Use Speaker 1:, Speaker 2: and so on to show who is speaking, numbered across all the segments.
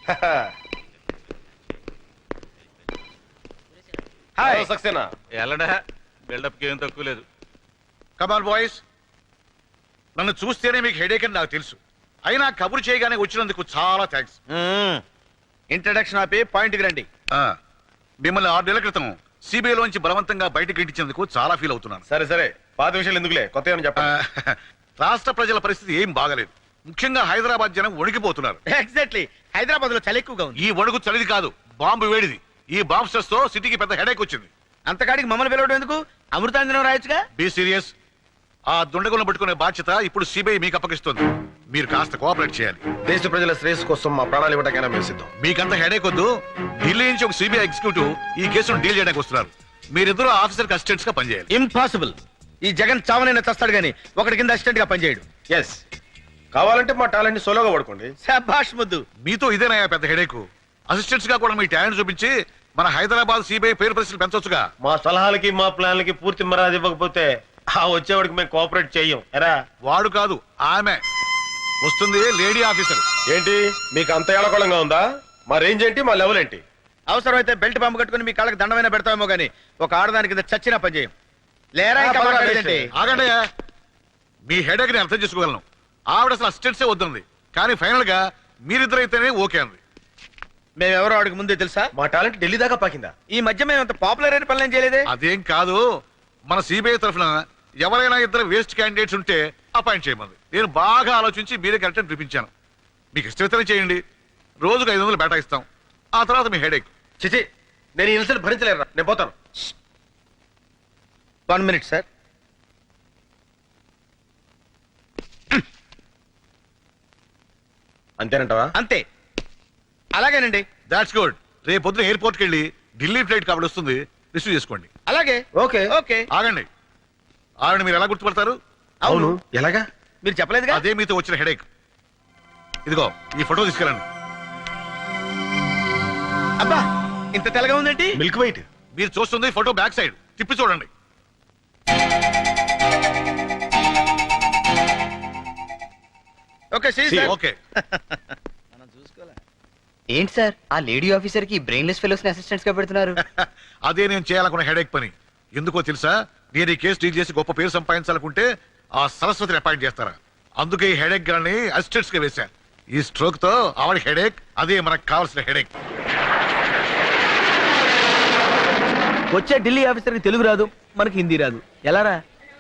Speaker 1: Hi Saxena.
Speaker 2: ఎల్లడా buildup కి ఏం తక్కువ లేదు.
Speaker 3: కమాన్ బాయ్స్, నన్ను చూస్తేనే మీకు హెడేక్ అని నాకు తెలుసు. అయినా కబురు చేయగానే వచ్చినందుకు చాలా థ్యాంక్స్.
Speaker 1: ఇంట్రడక్షన్ ఆపి పాయింట్కి రండి.
Speaker 3: మిమ్మల్ని 6 నెలల క్రితం సిబిఐలోంచి బలవంతంగా బయటకు ఇంటించేందుకు చాలా ఫీల్ అవుతున్నాను.
Speaker 1: సరే సరే, పాత విషయాలు ఎందుకులే, కొత్త ఏమని చెప్పండి.
Speaker 3: రాష్ట్ర ప్రజల పరిస్థితి ఏం బాగలేదు. ముఖ్యంగా హైదరాబాద్ జనం వణికిపోతున్నారు.
Speaker 1: ఎగ్జాక్ట్లీ, హైదరాబాద్ లో చలి ఎక్కువగా ఉంది.
Speaker 3: ఈ వణుకు చలిది కాదు, బాంబు వేడిది. ఈ బాంబ్ స్ట్రెస్ తో సిటీకి పెద్ద హెడేక్ వచ్చింది.
Speaker 1: అంతకాడికి మమ్మల్ని పిలవడం ఎందుకు? అమృతాంజనం రాయొచ్చుగా.
Speaker 3: Be serious. ఆ దుండగులను పట్టుకునే బాధ్యత ఇప్పుడు సిబిఐ మీకు అప్పగిస్తుంది. మీరు కాస్త కోఆపరేట్ చేయాలి.
Speaker 4: దేశ ప్రజల శ్రేయస్సు కోసం మా ప్రాణాలు ఇవ్వడానికైనా మేము సిద్ధం.
Speaker 3: మీకంత హెడేక్ వద్దు. ఢిల్లీ నుంచి ఒక సిబిఐ ఎగ్జిక్యూటివ్ ఈ కేసును డీల్ చేయడానికి వస్తున్నారు. మీరిద్దరూ ఆఫీసర్ అసిస్టెంట్స్ గా పనిచేయాలి.
Speaker 1: ఇంపాసిబుల్. ఈ జగన్ చావనైనా చస్తాడు గానీ ఒకటి కింద అసిస్టెంట్ గా పనిచేయడు.
Speaker 4: ఎస్, కావాలంటే మా టాలెంట్ ని సోలోగా పడుకోండి.
Speaker 1: శభాష్ ముద్దు.
Speaker 3: మీతో ఇదేనయ్యా పెద్ద హెడేక్. అసిస్టెంట్స్ గా కూడా మీ టాలెంట్ చూపించి మన హైదరాబాద్ సిబిఐ పేరు ప్రశ్నలు పెంచొచ్చుగా.
Speaker 4: మా సలహాలకి మా ప్లాన్లకి పూర్తి మర్యాద ఇవ్వకపోతే ఆ వచ్చేవాడికి మేము కోఆపరేట్ చెయ్యం. ఎరా,
Speaker 3: వాడు కాదు, ఆమె వస్తుంది, లేడీ ఆఫీసర్.
Speaker 4: ఏంటి మీకు అంత ఏళకోళంగా ఉందా? మా రేంజ్ ఏంటి, మా లెవెల్ ఏంటి?
Speaker 1: అవసరమైతే బెల్ట్ పంపు కట్టుకుని మీ కాళ్ళకి దండమైనా పెడతామేమో గానీ ఒక ఆడదాని కింద చచ్చినా పనిచేయం. లేరా ఇంకా మాట్లాడేదేంటి?
Speaker 3: ఆగండియా, మీ హెడేక్ ని అర్థం చేసుకోగలను. ఆవిడ అసలు అసిస్టెంట్సే వద్దంది, కానీ ఫైనల్ గా మీరిద్దరైతేనే ఓకే అంది.
Speaker 1: మేమెవరో ఆడికి ముందే తెలుసా?
Speaker 4: మా టాలెంట్ ఢిల్లీ దాకా పాకిందా?
Speaker 1: ఈ మధ్య మేము అంత పాపులర్ అయిన పనులు చేయలేదే.
Speaker 3: అదేం కాదు, మన సిబిఐ తరఫున ఎవరైనా ఇద్దరు వేస్ట్ క్యాండిడేట్స్ ఉంటే అపాయింట్ చేయమంది. నేను బాగా ఆలోచించి మీరే కరెక్ట్ అని చూపించాను. మీకు ఇష్టమైతేనే చేయండి. రోజుకు 500 బేటా ఇస్తాం. ఆ తర్వాత మీ హెడేక్.
Speaker 4: చిచి, నేను ఈ ఇన్సల్ట్ భరించలేరా, నేను పోతాను.
Speaker 1: 1 minute సార్.
Speaker 4: అంతేనంటావా?
Speaker 1: అంతే, అలాగేనండి.
Speaker 3: That's good. రేపు పొద్దున ఎయిర్పోర్ట్కి వెళ్ళి ఢిల్లీ ఫ్లైట్ కాబట్టి వస్తుంది, రిసీవ్ చేసుకోండి.
Speaker 1: అలాగే.
Speaker 4: Okay
Speaker 1: okay.
Speaker 3: ఆగండి, ఆవిడ మీరు ఎలా గుర్తుపడతారు?
Speaker 4: అవును, ఎలాగా?
Speaker 1: మీరు చెప్పలేదుగా.
Speaker 3: అదే మీతో వచ్చిన హెడేక్. ఇదిగో ఈ ఫోటో తీసుకెళ్ళండి.
Speaker 1: అబ్బా, ఇంత తెల్లగా ఉందేంటి?
Speaker 4: Milk white.
Speaker 3: మీరు చూస్తుంది ఫోటో బ్యాక్ సైడ్, తిప్పి చూడండి.
Speaker 1: Okay
Speaker 3: okay.
Speaker 5: ఏంటి సార్, ఆ లేడీ ఆఫీసర్ కి బ్రెయిన్లెస్ ఫెలోస్ ని అసిస్టెంట్స్ గా పెడుతున్నారు?
Speaker 3: అదే నేను చేయాలనుకున్న హెడేక్ పని. ఎందుకో తెలుసా? నేను ఈ కేసు డీల్ చేసి గొప్ప పేరు సంపాదించాలనుకుంటే ఆ సరస్వతిని అపాయింట్ చేస్తారా. అందుకే ఈ హెడేక్ గాని అసిస్టెంట్స్ గా వేశా. ఈ స్ట్రోక్ తో ఆవిడ హెడేక్, అదే మనకు కావాల్సిన హెడేక్.
Speaker 1: వచ్చే ఢిల్లీ ఆఫీసర్ కి తెలుగు రాదు, మనకి హిందీ రాదు, ఎలారా?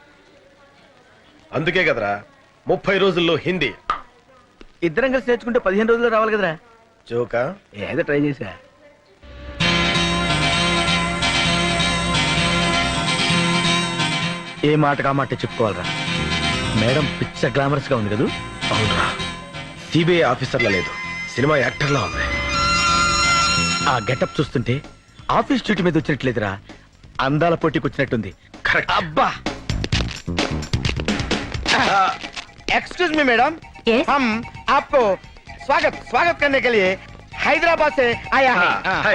Speaker 4: అందుకే కదరా 30 రోజుల్లో హిందీ.
Speaker 1: ఇద్దరం కలిసి నేర్చుకుంటే 15 రోజుల్లో రావాలి కదరా.
Speaker 4: జోకా?
Speaker 1: ఏదో ట్రై చేసా. ఏ మాట కా మాట చెప్పుకోవాలరా. మేడం పిచ్చ గ్లామరస్ గా ఉంది కదా.
Speaker 4: అవునరా, సిబిఐ ఆఫీసర్లా లేదు, సినిమా యాక్టర్లా ఉంది.
Speaker 1: ఆ గెటప్ చూస్తుంటే ఆఫీస్ డ్యూటీ మీద వచ్చినట్లేదురా, అందాల పోటీకి వచ్చినట్టుంది.
Speaker 4: కరెక్ట్.
Speaker 1: అబ్బా, एक्सक्यूज मी मैडम, हम आपको स्वागत स्वागत करने के लिए हैदराबाद से आया है.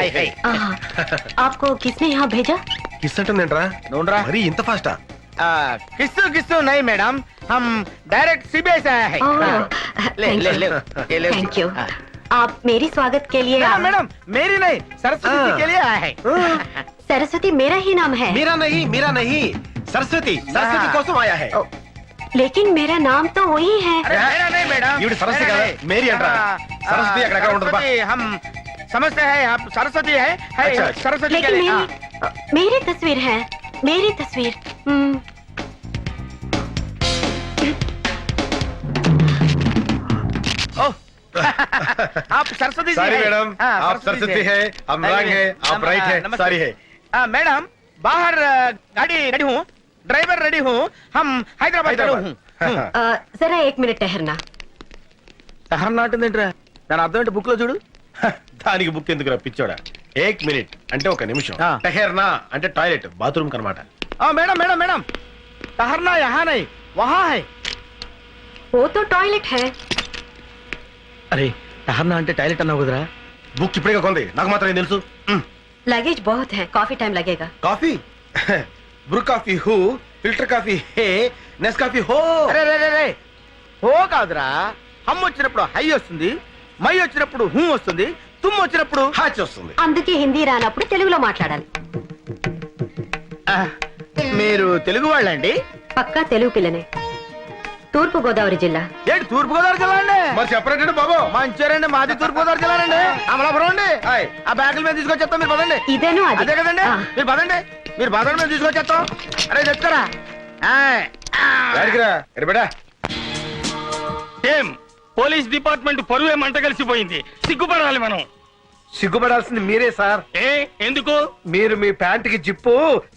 Speaker 6: आपको किसने यहाँ भेजा?
Speaker 4: కిస్ అంటుందేంట్రా?
Speaker 1: नोंडरा
Speaker 4: మరి ఇంత ఫాస్టా?
Speaker 1: किस्सू किस्सू नहीं मैडम, हम डायरेक्ट सीबीआई से आया है. ले ले ले ले.
Speaker 6: Thank you. आप मेरी स्वागत के लिए?
Speaker 1: मैडम मेरी नहीं, सरस्वती के लिए आया है.
Speaker 6: सरस्वती मेरा ही नाम है.
Speaker 4: మీరా नहीं సరస్వతి, సరస్వతి కోసం ఆయా హై.
Speaker 6: लेकिन मेरा नाम तो वही है.
Speaker 1: अरे मेरा नहीं मैडम,
Speaker 4: ఈవిడ సరస్వతి కదా, మేరీ అంటారా? సరస్వతి అక్కడ ఉండదు బా.
Speaker 1: हम समझते हैं आप सरस्वती है. सरस्वती के
Speaker 6: लेकिन
Speaker 1: लिए
Speaker 6: मेरी तस्वीर है, मेरी तस्वीर.
Speaker 1: आप सरस्वती जी
Speaker 4: सारी
Speaker 1: हैं?
Speaker 4: मैडम,
Speaker 1: हाँ,
Speaker 4: आप सरस्वती है, हम रंग है, आप राइट है, सारी है.
Speaker 1: मैडम बाहर गाड़ी रेडी हूँ, ड्राइवर रेडी हूँ, हम हैदराबाद हूँ.
Speaker 6: जरा 1 मिनट ठहरना.
Speaker 1: ठहरना అంటుందేంట్రా? దాని అర్థం ఏంటి బుక్ లో చూడు.
Speaker 4: దానికి బుక్ ఎందుకు పిచ్చోడా? 1 మినిట్ అంటే 1 నిమిషం.
Speaker 1: ఆ.
Speaker 4: టహర్నా అంటే టాయిలెట్, బాత్రూమ్ కనమాట.
Speaker 1: मैडम मैडम मैडम, ठहरना यहाँ नहीं, वहाँ है.
Speaker 6: वो तो टॉयलेट है.
Speaker 1: अरे ठहरना అంటే టాయిలెట్ అన్నావు కదరా.
Speaker 4: బుక్ ఇప్పుడే కొంది, నాకు మాత్రం ఏం తెలుసు.
Speaker 6: लगेज बहुत है, काफी टाइम लगेगा.
Speaker 4: కాఫీ బ్రూ కాఫీ హూ, ఫిల్టర్ కాఫీ హే, నెస్ కాఫీ హో.
Speaker 1: అరే రే రే రే, హో కాదురా. హమ్ వచ్చినప్పుడు హై వస్తుంది, మై వచ్చినప్పుడు హూ వస్తుంది, తుమ్ము వచ్చినప్పుడు
Speaker 4: హాచి వస్తుంది.
Speaker 6: అందుకే హిందీ రానప్పుడు తెలుగులో మాట్లాడాలి.
Speaker 1: ఆ, మీరు తెలుగు వాళ్ళండి?
Speaker 6: పక్కా తెలుగు పిల్లనే. తూర్పు గోదావరి జిల్లా.
Speaker 1: ఏంటి తూర్పు గోదావరి జిల్లా అండి?
Speaker 4: మరి చెప్పరండి బాబు.
Speaker 1: మంచిర్యాలండి, మాది తూర్పు గోదావరి జిల్లా అండి. అమలాపురం అండి.
Speaker 4: హాయ్.
Speaker 1: ఆ బ్యాగుల మీద తీసుకొచ్చేస్తాం, మీరు పదండి.
Speaker 6: ఇదేను అది.
Speaker 1: అదే కదండి,
Speaker 6: ఆ.
Speaker 1: మీరు పదండి, మీరు పదండి, మేము తీసుకొచ్చేస్తాం. అరే చెప్తారా?
Speaker 7: ఏం పోలీస్ డిపార్ట్మెంట్ పరువే మంట కలిసిపోయింది. సిగ్గుపడాలి మనం.
Speaker 4: సిగ్గుపడాల్సింది మీరే సార్.
Speaker 7: ఏ ఎందుకు
Speaker 4: మీరు మీ ప్యాంటుకి జిప్పు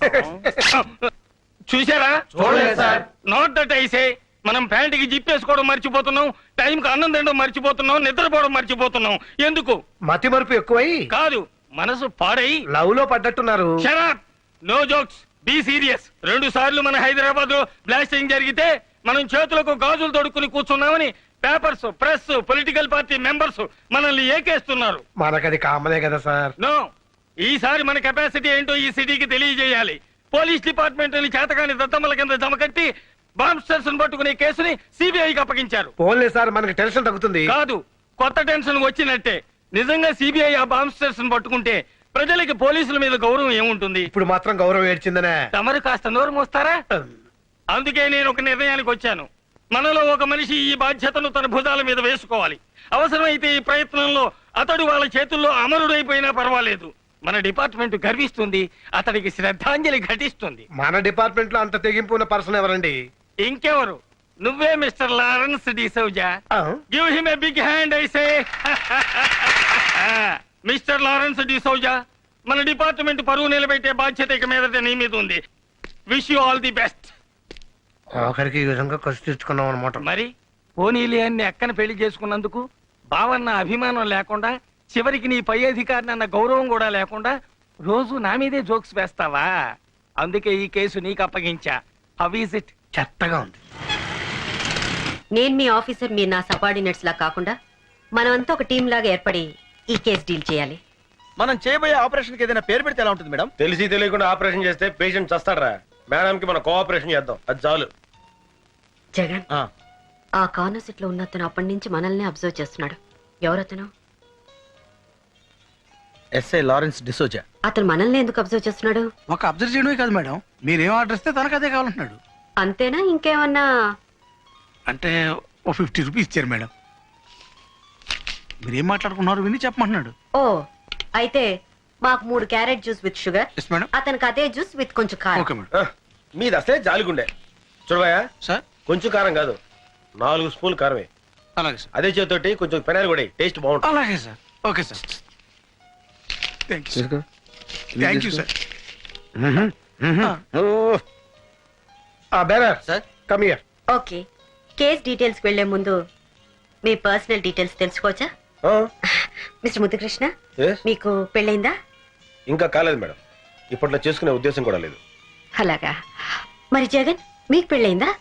Speaker 7: చూసారా?
Speaker 4: చూడలేదు సార్.
Speaker 7: Not that ఐసే. మనం ప్యాంటుకి జిప్పేసుకోవడం మర్చిపోతున్నాం, టైంకి అన్నం తినడం మర్చిపోతున్నాం, నిద్రపోవడం మర్చిపోతున్నాం. ఎందుకు?
Speaker 4: మతి మరుపు ఎక్కువై
Speaker 7: కాదు, మనసు పాడై.
Speaker 4: లవ్ లో పడ్డట్టున్నారు.
Speaker 7: Shut up, no jokes, be serious. 2 సార్లు మన హైదరాబాద్ లో బ్లాస్టింగ్ జరిగితే మనం చేతులకు గాజులు తొడుక్కుని కూర్చున్నామని papers, press, political party members మనల్ని ఏకేస్తున్నారు.
Speaker 4: మనకది కామనే కదా సార్.
Speaker 7: నో, ఈసారి మన కెపాసిటీ ఏంటో ఈ సిటీకి తెలియజేయాలి. పోలీస్ డిపార్ట్మెంట్ చేతకాని దత్తమ్మల కింద జమకట్టి బాంబ్స్టర్స్ పట్టుకునే కేసుని సిబిఐకి అప్పగించారు.
Speaker 4: పోన్లే సార్, మనకి టెన్షన్ తగ్గుతుంది.
Speaker 7: కాదు, కొత్త టెన్షన్ వచ్చినట్టే. నిజంగా సిబిఐ ఆ బాంబ్స్టర్స్ పట్టుకుంటే ప్రజలకి పోలీసుల మీద గౌరవం ఏముంటుంది?
Speaker 4: ఇప్పుడు మాత్రం గౌరవం ఏడ్చిందనే.
Speaker 7: తమరు కాస్త నోరు మోస్తారా? అందుకే నేను ఒక నిర్ణయానికి వచ్చాను. మనలో ఒక మనిషి ఈ బాధ్యతను తన భుజాల మీద వేసుకోవాలి. అవసరమైతే ఈ ప్రయత్నంలో అతడు వాళ్ళ చేతుల్లో అమరుడైపోయినా పర్వాలేదు. మన డిపార్ట్మెంట్ గర్విస్తుంది, అతడికి శ్రద్ధాంజలి ఘటిస్తుంది.
Speaker 4: మన డిపార్ట్మెంట్ లో అంత తెగింపు ఉన్న పర్సన్ ఎవరండి?
Speaker 7: ఇంకెవరు? నువ్వే Mr Lawrence D'Souza. Give him a big hand I say. Mr Lawrence D'Souza, మన డిపార్ట్మెంట్ పరువు నిలబెట్టే బాధ్యత ఇక మీదట నీ మీద ఉంది. Wish you all the best.
Speaker 4: ఆఖరికి ఈ విధంగా ఖర్చు తెచ్చుకున్నాం అనమాట.
Speaker 7: మరి పోనీలే అన్ని అక్కన పెళ్లి చేసుకున్నందుకు బావన్న అభిమానం లేకుండా, చివరికి నీ పై అధికారిని అన్న గౌరవం కూడా లేకుండా రోజు నా మీదే జోక్స్ వేస్తావా? అందుకే ఈ కేసు నీకు అప్పగించా. How is it?
Speaker 4: చెత్తగా ఉంది.
Speaker 6: నేను మీ ఆఫీసర్, మీరు నా సబార్డినేట్స్ లా కాకుండా మనమంతా ఒక టీం లాగా ఏర్పడి ఈ కేసు డీల్ చేయాలి.
Speaker 1: మనం చేయబోయే ఆపరేషన్ కి ఏదైనా పేరు పెడితే ఎలా ఉంటుంది మేడం?
Speaker 4: తెలిసి తెలియకుండా ఆపరేషన్ చేస్తే పేషెంట్ చస్తాడరా. మేడం కి మనం కోఆపరేషన్ చేద్దాం, అది చాలు.
Speaker 6: జగన్, ఆ కార్నర్ సీట్ లో ఉన్న అతను అప్పటి నుంచి మనల్ని అబ్జర్వ్ చేస్తున్నాడు. ఎవరతను?
Speaker 1: SI Lawrence D'Souza.
Speaker 6: అతను మనల్ని ఎందుకు అబ్జర్వ్ చేస్తున్నాడు?
Speaker 8: ఒక అబ్జర్వ్ చేయడమే కాదు మేడం, మీరేం ఆర్డర్ ఇస్తే తనకు అదే కావాలంటున్నాడు.
Speaker 6: అంతేనా, ఇంకేమన్నా?
Speaker 8: అంటే ఓ 50 రూపీస్ ఇచ్చారు మేడం. మీరేం మాట్లాడుకున్నారు విని చెప్పమంటున్నాడు.
Speaker 6: ఓ, అయితే మాకు 3 carrot juice with sugar,
Speaker 8: yes madam.
Speaker 6: అతనికి అదే జ్యూస్ విత్ కొంచెం కారం.
Speaker 8: Okay madam.
Speaker 4: మీది అసలే జాలిగుండే. చూడబాయా,
Speaker 8: సార్
Speaker 4: కొంచెం కారం కాదు, 4 స్పూన్లు కారమే.
Speaker 8: అలాగే సార్.
Speaker 4: అదే చేతోటి కొంచెం పెనాలు కూడా టేస్ట్ బాగుంటుంది.
Speaker 8: అలాగే sir. Okay sir. Thank you sir.
Speaker 4: Bearer
Speaker 5: sir
Speaker 4: come here.
Speaker 6: Okay, case details వెళ్లే ముందు మీ పర్సనల్ డీటెయిల్స్ తెలుసుకోవచ్చా? మిస్టర్ ముద్దుకృష్ణ, మీకు పెళ్ళైందా?
Speaker 4: ఇంకా కాలేదు మేడం, ఇప్పట్లో చేసుకునే ఉద్దేశం కూడా లేదు.
Speaker 6: అలాగా. మరి జగన్, మీకు పెళ్ళైందా?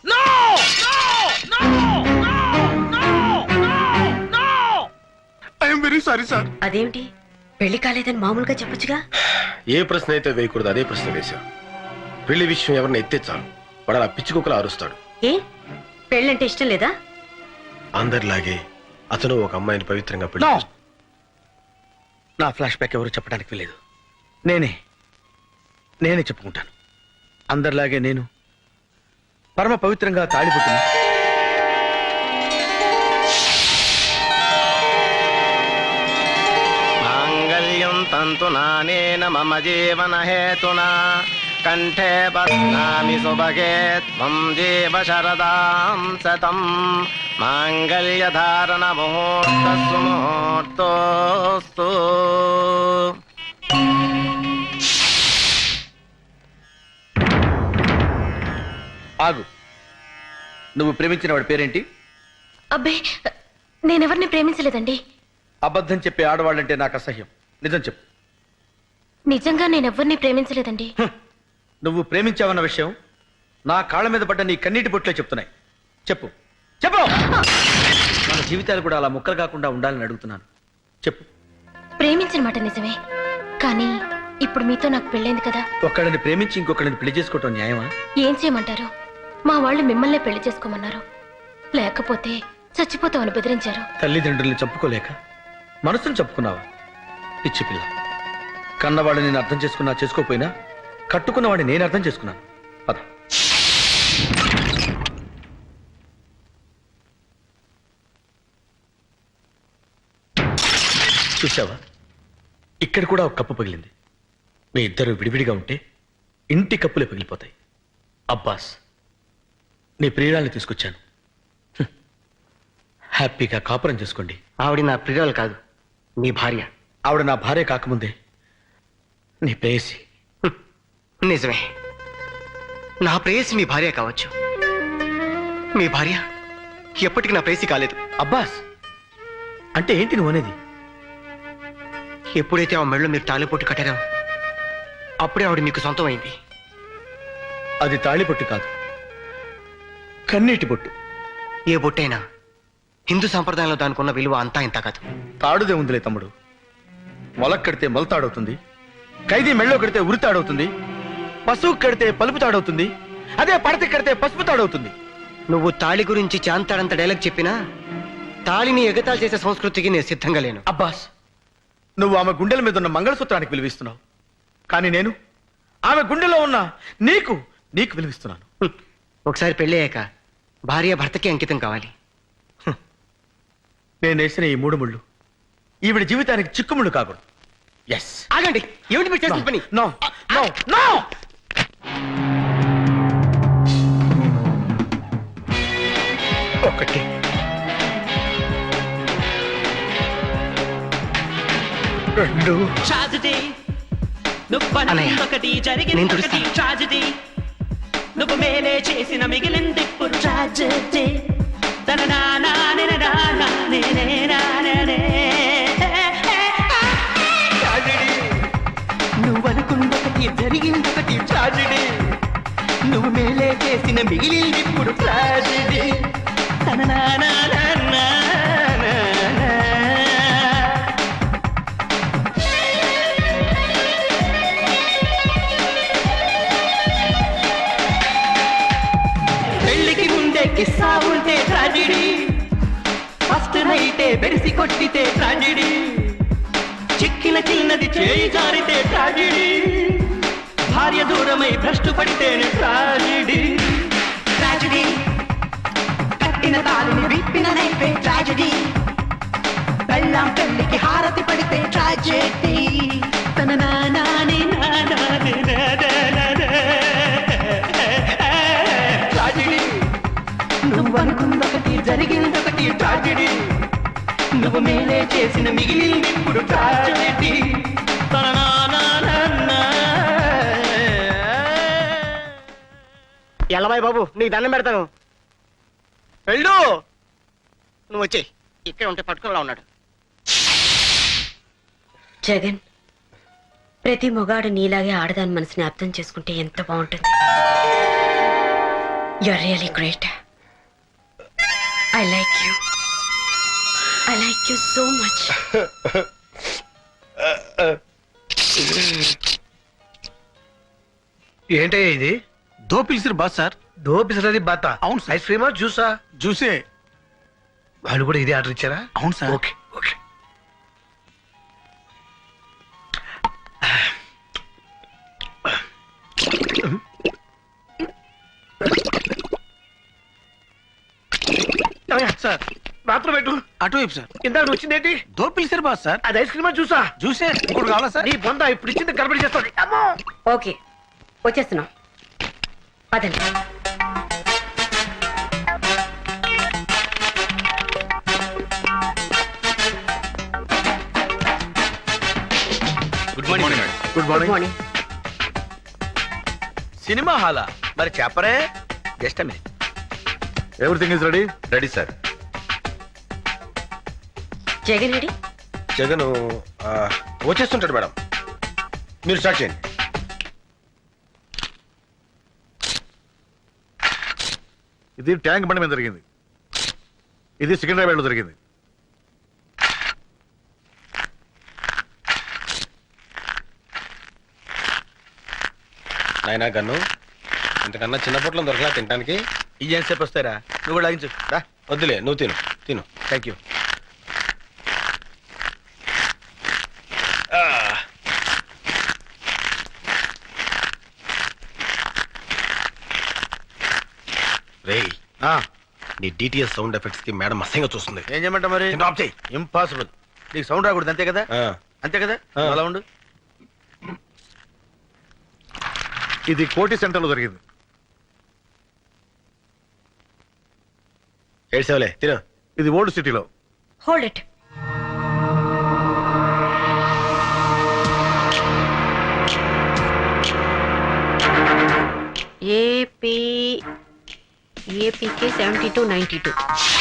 Speaker 8: I'm very sorry sir.
Speaker 6: అదేమిటి, పెళ్లి కాలేదని మామూలుగా చెప్పొచ్చుగా?
Speaker 4: ఏ ప్రశ్న అయితే వేయకూడదు అదే ప్రశ్న వేశాం. పెళ్లి విషయం ఎవరిని ఎత్తే చాలు వాడు అలా పిచ్చి కుక్కలా అరుస్తాడు.
Speaker 6: ఏ, పెళ్ళంటే ఇష్టం లేదా?
Speaker 4: అందరిలాగే అతను ఒక అమ్మాయిని పవిత్రంగా పెళ్లి
Speaker 1: No.
Speaker 4: చేసుకున్నాడు.
Speaker 1: నా ఫ్లాష్ బ్యాక్ ఎవరు చెప్పడానికి వెళ్ళలేదు. నేనే చెప్పుకుంటాను. అందరిలాగే నేను పరమ పవిత్రంగా తాళిపుట్టిన
Speaker 5: మాంగళ్యం తంతునానేన మమ జీవన హేతునా కంఠే బధ్నామి సుభగే త్వం జీవ శరదాం శతం మాంగళ్య ధారణ ముహూర్తస్సు ముహూర్తోస్తు.
Speaker 1: ఆగు. నువ్వు ప్రేమించిన వాడి పేరేంటి?
Speaker 9: అబ్బే, నేనెవరిని ప్రేమించలేదండి.
Speaker 1: అబద్ధం చెప్పే ఆడవాళ్ళంటే నాకు అసహ్యం. నిజం చెప్పు.
Speaker 9: నిజంగా నేనెవ్వరిని ప్రేమించలేదండి.
Speaker 1: నువ్వు ప్రేమించావన్న విషయం నా కాళ్ళ మీద పడ్డ నీ కన్నీటి బొట్లే చెప్తున్నాయి. చెప్పు చెప్పు. మన జీవితాలు కూడా అలా ముక్కలు కాకుండా ఉండాలని అడుగుతున్నాను. చెప్పు.
Speaker 9: ప్రేమించిన మాట నిజమే, కానీ ఇప్పుడు మీతో నాకు పెళ్ళైంది కదా.
Speaker 1: ఒక్కడిని ప్రేమించి ఇంకొకడిని పెళ్లి చేసుకోవటం న్యాయమా?
Speaker 9: ఏం చేయమంటారు? మా వాళ్ళు మిమ్మల్నే పెళ్లి చేసుకోమన్నారు, లేకపోతే చచ్చిపోతామని బెదిరించారు.
Speaker 1: తల్లిదండ్రుల్ని చంపుకోలేక మనసును చెప్పుకున్నావా? పిచ్చి పిల్ల. కన్నవాడు నేను అర్థం చేసుకున్నా చేసుకోకపోయినా కట్టుకున్నవాడిని నేను అర్థం చేసుకున్నాను. పద. చూసావా, ఇక్కడ కూడా ఒక కప్పు పగిలింది. మీ ఇద్దరు విడివిడిగా ఉంటే ఇంటి కప్పులే పగిలిపోతాయి. అబ్బాస్, నీ ప్రియురాల్ని తీసుకొచ్చాను. హ్యాపీగా కాపురం చేసుకోండి.
Speaker 5: ఆవిడ నా ప్రియురాలు కాదు, మీ భార్య.
Speaker 1: ఆవిడ నా భార్య కాకముందే నీ ప్రేయసి.
Speaker 5: నిజమే, నా ప్రేయసి మీ భార్య కావచ్చు. మీ భార్య ఎప్పటికీ నా ప్రేయసి కాలేదు.
Speaker 1: అబ్బాస్, అంటే ఏంటి నువ్వు అనేది?
Speaker 5: ఎప్పుడైతే ఆ మెళ్ళో మీరు తాళిపొట్టు కట్టారో అప్పుడే ఆవిడ మీకు సొంతం అయింది.
Speaker 1: అది తాళిబొట్టు కాదు, కన్నీటి బొట్టు.
Speaker 5: ఏ బొట్టైనా హిందూ సంప్రదాయంలో దానికి ఉన్న విలువ అంతా ఇంత కాదు.
Speaker 1: తాడుదే ఉందిలే తమ్ముడు. మొలక్ కడితే మొలతాడవుతుంది, ఖైదీ మెళ్ళో కడితే ఉరి తాడవుతుంది, పశువు కడితే పలుపు తాడవుతుంది, అదే పడత కడితే పసుపు తాడవుతుంది.
Speaker 5: నువ్వు తాళి గురించి చాంతాడంత డైలాగ్ చెప్పినా తాళిని ఎగతాళి చేసే సంస్కృతికి నేను సిద్ధంగా లేను.
Speaker 1: అబ్బాస్, నువ్వు ఆమె గుండెల మీద ఉన్న మంగళసూత్రానికి విలువిస్తున్నావు, కానీ నేను ఆమె గుండెలో ఉన్న నీకు నీకు విలువిస్తున్నాను.
Speaker 5: ఒకసారి పెళ్ళయ్యాక భార్య భర్తకి అంకితం కావాలి.
Speaker 1: నేను వేసిన ఈ 3 ముళ్ళు ఈవిడ జీవితానికి చిక్కుముళ్ళు కాకూడదు. ఎస్.
Speaker 5: ఆగండి, ఏమిటి మీరు చేసిన పని?
Speaker 1: No no no. ఒకటి, రెండు.
Speaker 5: అన్నయ్య, నేను తుడుస్తాను.
Speaker 10: ట్రాజెడీ నువ్వు మేలే చేసిన మిగిలింది ఇప్పుడు ట్రాజెడీ నువ్వు అనుకున్నొకటి జరిగిందొకటి ట్రాజెడీ నువ్వు మేలే చేసిన మిగిలింది ఇప్పుడు ట్రాజెడీ కిస్సా ఉంటే ట్రాజెడీ, ఫస్ట్ నైటే బెరిసి కొట్టితే ట్రాజెడీ, చిక్కిన చిన్నది చేయి జారితే ట్రాజెడీ, భార్య దూరమై భ్రష్టు పడితేనే ట్రాజెడీ. ట్రాజెడీ కట్టిన తాళిని విప్పిన నైపే ట్రాజెడీ, బెల్లం పెళ్లికి హారతి పడితే ట్రాజెడీ. తన నానాని నానాని నువ్వు అనుకున్నొకటి జరిగిందొకటి ట్రాజెడీ నువ్వు మేలే చేసిన మిగిలింది ఇప్పుడు ట్రాజెడీ.
Speaker 5: ఎల్లబాయ్ బాబు, నీకు దండం పెడతాను. వెళ్ళు. నువ్వు వచ్చేయ్, ఇక్కడ ఉంటే పట్టుకునేలా ఉన్నాడు.
Speaker 6: జగన్, ప్రతి మొగాడు నీలాగే ఆడదాని మనసుని అర్థం చేసుకుంటే ఎంత బాగుంటుంది. You are really great. I like you. I like you so much.
Speaker 8: ఏంటయ్యా ఇది?
Speaker 7: దో పిలిచిరు బాస్ సార్.
Speaker 8: దో పిసరది బాత.
Speaker 7: అవును సార్.
Speaker 8: ఐస్ క్రీమా జ్యూసా?
Speaker 7: జ్యూసే.
Speaker 8: వాళ్ళు కూడా ఇదే ఆర్డర్ ఇచ్చారా?
Speaker 7: అవును సార్.
Speaker 8: Okay okay.
Speaker 7: సార్
Speaker 8: మాత్రం పెట్టు.
Speaker 7: అటువైపు సార్.
Speaker 8: ఇందాక నువ్వు వచ్చిందేంటి?
Speaker 7: దో పిలిచిరు బాస్ సార్.
Speaker 8: అది ఐస్ క్రీమా జ్యూసా?
Speaker 7: జ్యూసే. ఇంకోటి కావాలా సార్?
Speaker 8: నీ బొంద ఇప్పుడు ఇచ్చింది గడబడి చేస్తుంది. అమ్మో.
Speaker 6: ఓకే, వచ్చేస్తున్నాం. పదండి.
Speaker 2: Good morning.
Speaker 3: Good
Speaker 6: good
Speaker 3: morning.
Speaker 6: Morning.
Speaker 1: Cinema హాలా? మరి చెప్పరే. Just minute.
Speaker 3: Everything is ready.
Speaker 2: Ready sir.
Speaker 6: Jagan ready?
Speaker 4: Jagan వచ్చేస్తుంటాడు మేడం, మీరు స్టార్ట్ చేయండి.
Speaker 3: ఇది ట్యాంక్ బండి మీద జరిగింది, ఇది సికింద్రాబాద్ లో జరిగింది.
Speaker 4: నాయనా గన్ను, ఇంతకన్నా చిన్న పొట్లం దొరకలా తినడానికి?
Speaker 1: ఈ ఎంతసేపు వస్తారా? నువ్వు కూడా లాగించు.
Speaker 4: వద్దులే, నువ్వు తిను తిను.
Speaker 1: Thank you.
Speaker 4: నీ డిటిఎస్ సౌండ్ ఎఫెక్ట్స్ కి మేడం అసహ్యంగా చూస్తుంది.
Speaker 1: ఏం చేయమంటావు మరి?
Speaker 4: నేను ఆఫ్ చేయి.
Speaker 1: ఇంపాసిబుల్. నీకు సౌండ్ రాకూడదు అంతే కదా?
Speaker 4: ఆ,
Speaker 1: అంతే కదా?
Speaker 4: ఆ.
Speaker 1: అలా ఉండు.
Speaker 3: ఇది కోటి సెంటర్లో జరిగింది.
Speaker 4: ఏడ్చావులే తిను.
Speaker 3: ఇది ఓల్డ్ సిటీలో.
Speaker 6: Hold it. ఏపీకే 7292.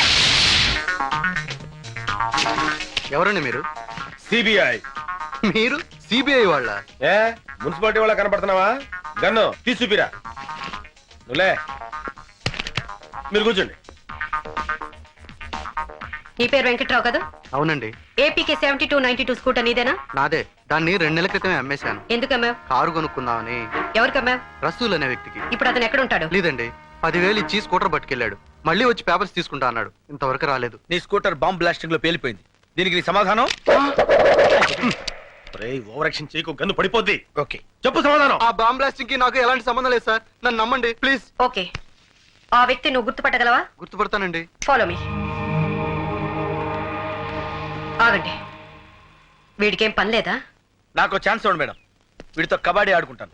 Speaker 5: ఎవరండి మీరు?
Speaker 4: సిబిఐ.
Speaker 5: మీరు సిబిఐ వాళ్ళ?
Speaker 4: ఏ మున్సిపాలిటీ వాళ్ళ కనపడుతున్నావా? గన్ను తీసుపిరా. నువ్వులే, మీరు కూర్చోండి.
Speaker 6: నీ పేరు వెంకట్రావు కదా?
Speaker 5: అవునండి.
Speaker 6: ఏపీకే 7292 స్కూటర్ నీదేనా?
Speaker 5: నాదే. దాన్ని 2 నెలల క్రితమే అమ్మేశాను.
Speaker 6: ఎందుకు అమ్మావు?
Speaker 5: కారు కొనుక్కుందామని.
Speaker 6: ఎవరికి అమ్మావు?
Speaker 5: రసూల్ అనే వ్యక్తికి.
Speaker 6: ఇప్పుడు అతను ఎక్కడ ఉంటాడు?
Speaker 5: లేదండి, 10,000 ఇచ్చి స్కూటర్ పట్టుకెళ్ళాడు. మళ్ళీ వచ్చి పేపర్స్ తీసుకుంటా అన్నాడు. ఇంతవరకు రాలేదు.
Speaker 1: నీ స్కూటర్ బాంబ్ బ్లాస్టింగ్ లో పేలిపోయింది. దీనికి నీ సమాధానం?
Speaker 4: ఓవర్ యాక్షన్ చేయకు, గన్ను పడిపోద్ది.
Speaker 1: ఓకే,
Speaker 4: చెప్పు సమాధానం.
Speaker 5: ఆ బాంబ్ బ్లాస్టింగ్ కి నాకు ఎలాంటి సంబంధం లేదు సార్. నన్ను నమ్మండి ప్లీజ్.
Speaker 6: ఓకే, ఆ వ్యక్తి నువ్వు గుర్తుపట్టగలవా?
Speaker 5: గుర్తుపడతానండి.
Speaker 6: Follow me. ఆగండి, వీడికేం పని లేదా?
Speaker 1: నాకు ఛాన్స్ ఇవ్వండి మేడం. వీడితో కబడ్డీ ఆడుకుంటాను.